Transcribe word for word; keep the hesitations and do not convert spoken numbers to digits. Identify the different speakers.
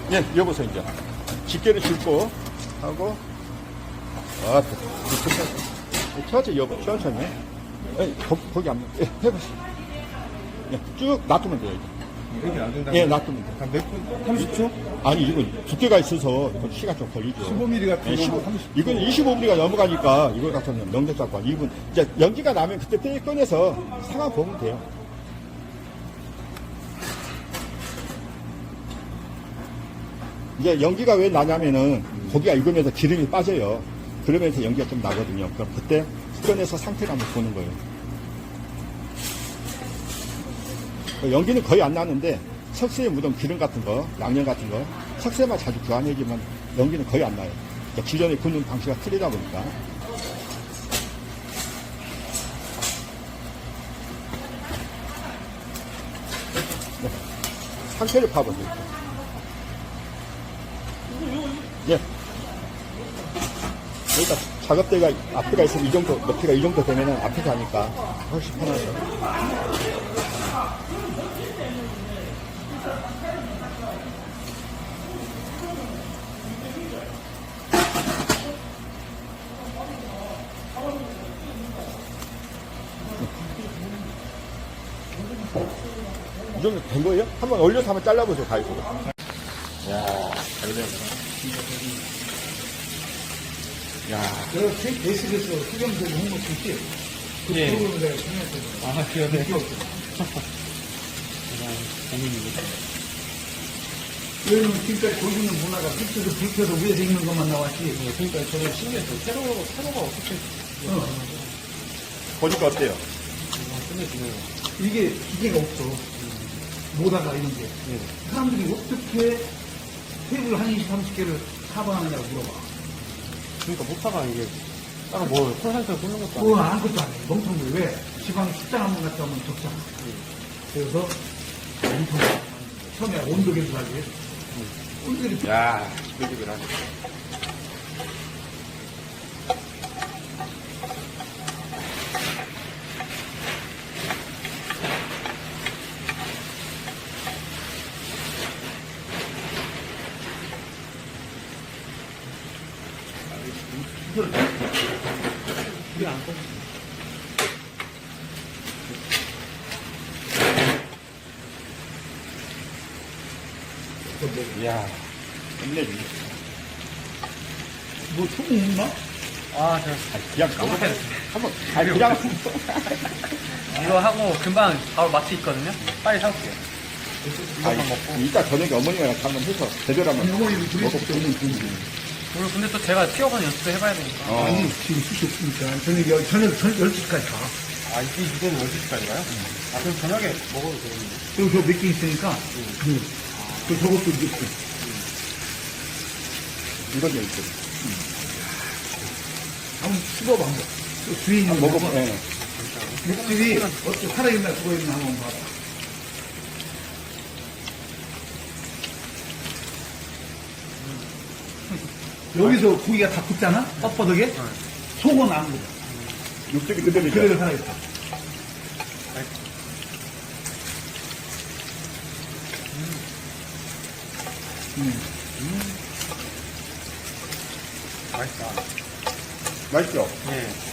Speaker 1: 예, 여보세요, 이제. 집게를 짚고, 하고, 아, 천천히, 여보, 천천히. 예, 거, 거기 안, 예, 해보세요. 예, 쭉 놔두면 돼요, 이제.
Speaker 2: 이렇게 놔둔다.
Speaker 1: 예, 놔두면 돼요.
Speaker 2: 한 몇 분? 삼십 초?
Speaker 1: 아니, 이건 두께가 있어서, 이건 시간 좀 걸리죠.
Speaker 2: 십오 밀리미터 같은
Speaker 1: 예,
Speaker 2: 거
Speaker 1: 십오,
Speaker 2: 삼십 초.
Speaker 1: 이건 이십오 밀리미터가 넘어가니까, 이걸 갖다는 명절 잡고, 이 분, 이제 연기가 나면 그때 떼 꺼내서 상황 보면 돼요. 이제 연기가 왜 나냐면은 고기가 익으면서 기름이 빠져요. 그러면서 연기가 좀 나거든요. 그럼 그때 꺼내서 상태를 한번 보는 거예요. 연기는 거의 안 나는데 석쇠에 묻은 기름 같은 거, 양념 같은 거, 석쇠만 자주 교환해주면 연기는 거의 안 나요. 그러니까 기존에 굽는 방식이 틀리다 보니까. 네. 상태를 파보세요. 예. 그러니까 작업대가 앞에가 있으면 이 정도, 높이가 이 정도 되면은 앞에서 하니까 훨씬 편하죠. 이 정도 된 거예요? 한번 올려서 한번 잘라보세요, 가위로. 야, 잘 되네. 야,
Speaker 3: 내가 베이스에서 수경되고 홍보 줄지? 그
Speaker 4: 예.
Speaker 3: 프로그램을 내가 참여했거든.
Speaker 4: 아, 그러네.
Speaker 3: 왜냐면 지금까지 보이는 문화가 밑에서 불켜서 위에서 있는 것만 나왔지.
Speaker 4: 네, 그러니까 저는 신기했어요. 세로, 세로가 어떻게
Speaker 3: 어.
Speaker 1: 보니까 어때요?
Speaker 4: 끝내주네요.
Speaker 3: 이게 기계가 없어. 모다가 이런 게.
Speaker 4: 네.
Speaker 3: 사람들이 어떻게 테이블 한 이십, 삼십 개를 사방하느냐고 물어봐.
Speaker 4: 그러니까 모타가 이게 딱 뭐 콜센터 꽂는 것도
Speaker 3: 그건
Speaker 4: 아니고.
Speaker 3: 아무것도 안 해. 멍텅이 왜? 지방 식당 한 번 갔다 오면 적잖아. 그래서 멍텅이. 처음에 온도 계산하기 위해서. 온도를
Speaker 1: 야, 지글지글하네.
Speaker 4: 이게 안 꺼져.
Speaker 1: 이야, 끝내주.
Speaker 3: 뭐 소금 있나?
Speaker 4: 아, 저
Speaker 1: 그냥 가보세요. 한번, 아니, 그냥.
Speaker 4: 이거 하고 금방 바로 마트 있거든요? 빨리 사올게요.
Speaker 1: 아니, 이따 저녁에 어머니랑 한번 해서 제대로 한번
Speaker 3: 어머니도 둘이
Speaker 1: 먹어보세요.
Speaker 4: 오늘 근데 또 제가 튀어가는 연습도 해봐야 되니까.
Speaker 1: 어.
Speaker 3: 아니, 지금 숱이 없으니까. 저녁, 열- 저녁, 저녁 열 시까지 가.
Speaker 4: 아, 이게 이거는 열두 시까지 가요? 아, 그럼 저녁에 먹어도 되겠는데.
Speaker 3: 그리고 저 몇 개 있으니까. 그, 그 저것도 넣고.
Speaker 1: 이건 여기 있어요.
Speaker 3: 한번 씹어봐, 한번. 또 뒤에 있는
Speaker 1: 한번
Speaker 3: 거
Speaker 1: 먹어봐.
Speaker 3: 한번.
Speaker 1: 예.
Speaker 3: 육즙이 어떻게 살아있나 죽어있나 한번 봐봐. 여기서 고기가 다 굳잖아? 뻣뻣하게? 속은 안 굳어.
Speaker 1: 육즙이 그대로죠.
Speaker 3: 그대로 살아있어.
Speaker 4: 맛있다.
Speaker 1: 맛있죠?
Speaker 4: 예.